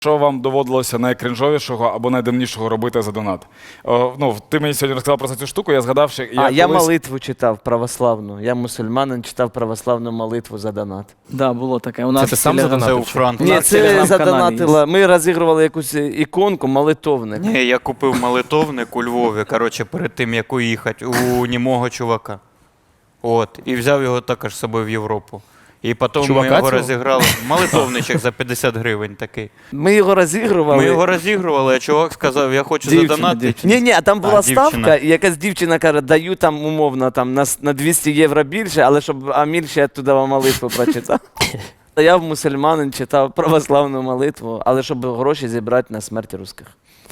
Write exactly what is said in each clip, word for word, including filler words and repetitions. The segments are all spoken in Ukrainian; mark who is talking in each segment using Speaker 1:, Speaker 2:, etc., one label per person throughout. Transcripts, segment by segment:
Speaker 1: Що вам доводилося найкринжовішого або найдивнішого робити за донат? О, ну, ти мені сьогодні розказав про цю штуку, я згадав, що я
Speaker 2: А,
Speaker 1: колись...
Speaker 2: я молитву читав православну. Я мусульманин, читав православну молитву за донат.
Speaker 3: Да, було таке. У нас
Speaker 4: ти сам
Speaker 3: телеграм-
Speaker 4: задонатив?
Speaker 5: Це у Франку.
Speaker 2: Ні,
Speaker 3: нас
Speaker 2: це
Speaker 3: телеграм-каналі
Speaker 2: задонатила. Ми розігрували якусь іконку, молитовник.
Speaker 5: Ні, я купив молитовник у Львові, коротше, перед тим, як уїхати, у німого чувака. От, і взяв його також з собою в Європу. І потім
Speaker 4: Чувака
Speaker 5: ми його
Speaker 4: цього?
Speaker 5: розіграли. Молитовничок за п'ятдесят гривень такий.
Speaker 2: Ми його розігрували.
Speaker 5: Ми його розігрували, а чувак сказав, я хочу
Speaker 3: Дівчина,
Speaker 5: задонатити.
Speaker 3: дівчина.
Speaker 2: Ні, ні, а там була
Speaker 5: А, дівчина.
Speaker 2: ставка, і якась дівчина каже, даю там умовно там, на, с- на двісті євро більше, але щоб Аміль ще туди молитву прочитав. Я в мусульманин читав православну молитву, але щоб гроші зібрати на смерть русських.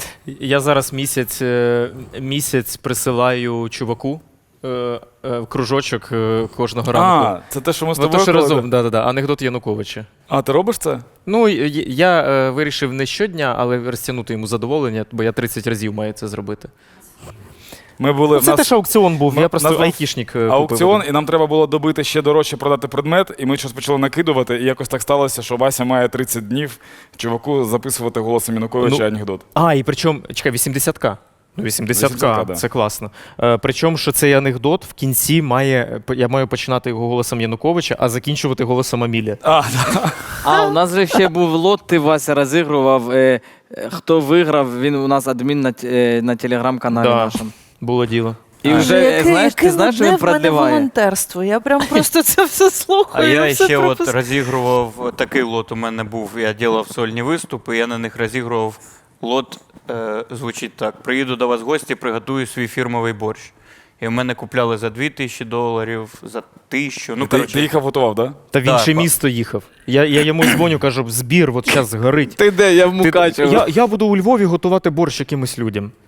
Speaker 4: Я зараз місяць, е, місяць присилаю чуваку е, е, кружочок е, кожного ранку.
Speaker 1: А, це те, що ми з
Speaker 4: Ну,
Speaker 1: тобою
Speaker 4: то, що
Speaker 1: робили?
Speaker 4: разом, да, да, да. Анекдот Януковича.
Speaker 1: А, ти робиш це?
Speaker 4: Ну, й- я е, вирішив не щодня, але розтягнути йому задоволення, бо я тридцять разів маю це зробити.
Speaker 1: Ми були...
Speaker 4: Ну,
Speaker 1: в
Speaker 4: це
Speaker 1: нас...
Speaker 4: теж аукціон був,
Speaker 1: Ну,
Speaker 4: я просто
Speaker 1: нас був
Speaker 4: айтішник е,
Speaker 1: аукціон,
Speaker 4: купив.
Speaker 1: і нам треба було добити ще дорожче продати предмет, і ми щось почали накидувати, і якось так сталося, що Вася має тридцять днів чуваку записувати голосом Януковича
Speaker 4: Ну,
Speaker 1: анекдот.
Speaker 4: А, і причому, чекай, вісімдесят-ка. Ну, вісімдесят-ка,
Speaker 1: вісімдесят-ка, да.
Speaker 4: це класно. Е, причому, що цей анекдот в кінці має, я маю починати його голосом Януковича, а закінчувати голосом Амілія.
Speaker 1: А, да.
Speaker 3: А, у нас же ще був лот, ти, Вася, розігрував. Е, е, хто виграв, він у нас адмін на, т- е, на телеграм-каналі
Speaker 4: Да.
Speaker 3: нашому.
Speaker 4: Було діло.
Speaker 3: І
Speaker 6: А,
Speaker 3: вже,
Speaker 6: ну,
Speaker 3: е,
Speaker 6: яке-
Speaker 3: знаєш, ти
Speaker 6: яке
Speaker 3: знаєш, що він
Speaker 6: нудне в мене
Speaker 3: продліває?
Speaker 6: волонтерство. Я прям просто це все
Speaker 5: А
Speaker 6: слухаю.
Speaker 5: я
Speaker 6: і все
Speaker 5: ще от
Speaker 6: пропускаю.
Speaker 5: розігрував такий лот у мене був. Я робив сольні виступи, я на них розігрував лот, е, звучить так. Приїду до вас в гості, приготую свій фірмовий борщ. І в мене купляли за дві тисячі доларів, за тисячу. Ну,
Speaker 1: ти,
Speaker 5: коротше,
Speaker 1: ти їхав готував, так? Да?
Speaker 4: Та в
Speaker 5: Да,
Speaker 4: інше
Speaker 5: па-
Speaker 4: місто їхав. Я, я йому дзвоню, кажу, збір, от зараз горить.
Speaker 2: Ти де? Я в
Speaker 4: Ти-
Speaker 2: Мукачево.
Speaker 4: я, я буду у Львові готувати борщ якимось людям.